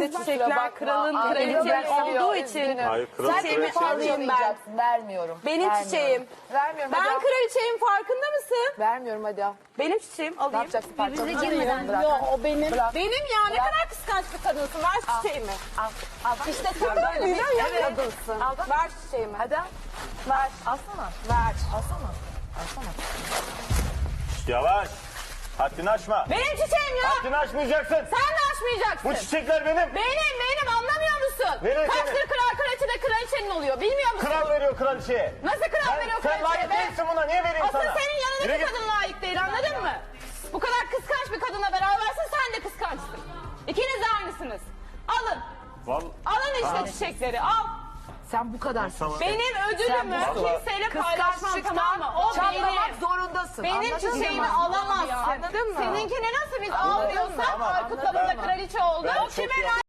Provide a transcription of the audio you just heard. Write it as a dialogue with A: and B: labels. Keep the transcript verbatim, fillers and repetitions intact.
A: Neyse çiçekler kralın
B: Aa,
A: kraliçesi
B: ben
A: olduğu
B: üzgünüm.
A: için
C: Hayır, kral
B: Sen
A: çiçeğimi
C: kraliçe
A: alayım ben.
B: harcamayacaksın. Vermiyorum.
A: Benim
B: Vermiyorum.
A: çiçeğim.
B: Vermiyorum.
A: Ben
B: hadi al.
A: kraliçeyim, farkında mısın?
B: Vermiyorum hadi al.
A: Benim çiçeğim,
B: Ne
A: alayım.
B: yapacaksın? Parçalı
D: girmeden.
B: Bırak.
A: Yok, o benim.
B: Bırak.
A: Benim ya, ne
B: Bırak.
A: kadar kıskanç bir kadınsın. Ver çiçeğimi.
B: Al. Al. İşte sen
A: Kadın
B: böyle bir
A: güzel ya,
B: evet.
A: kadınsın.
B: Al bak.
A: Ver çiçeğimi.
B: Hadi al.
A: Ver.
B: Alsana.
A: Ver.
B: Alsana. Alsana.
C: Yavaş. Haddini aşma.
A: Benim çiçeğim ya.
C: Haddini aşmayacaksın.
A: Sen de aşmayacaksın.
C: Bu çiçekler benim.
A: Benim, benim anlamıyor musun?
C: Benim,
A: Kaçtır
C: benim.
A: kral kraliçe de kraliçenin oluyor. Bilmiyor musun?
C: Kral veriyor kraliçeye.
A: Nasıl kral
C: Sen-
A: veriyor
C: sen
A: kraliçeye
C: layık
A: be?
C: değilsin buna. Niye vereyim
A: Asıl
C: sana?
A: senin
C: Yürü
A: yanındaki
C: git.
A: kadın layık değil, anladın mı? Bu kadar kıskanç bir kadına berabersin, sen de kıskançsın. İkiniz de aynısınız. Alın.
C: Vallahi.
A: Alın işte çiçekleri, al.
B: Sen bu kadarsın.
C: Tamam.
A: Benim ödülümü
B: Sen bu-
A: kimseyle paylaşmam, tamam mı? O
B: çatlamak
A: benim.
B: zorundasın.
A: Benim
B: Anladın
A: çiçeğimi
B: mı?
A: alamazsın.
B: Anladın mı?
A: Seninkini nasıl biz almıyorsak
C: Tamam,
A: Aykut'la
B: anladın
A: bunda
B: mı?
A: kraliçe oldu.
C: Ben
A: O
C: çok
A: kime
C: iyi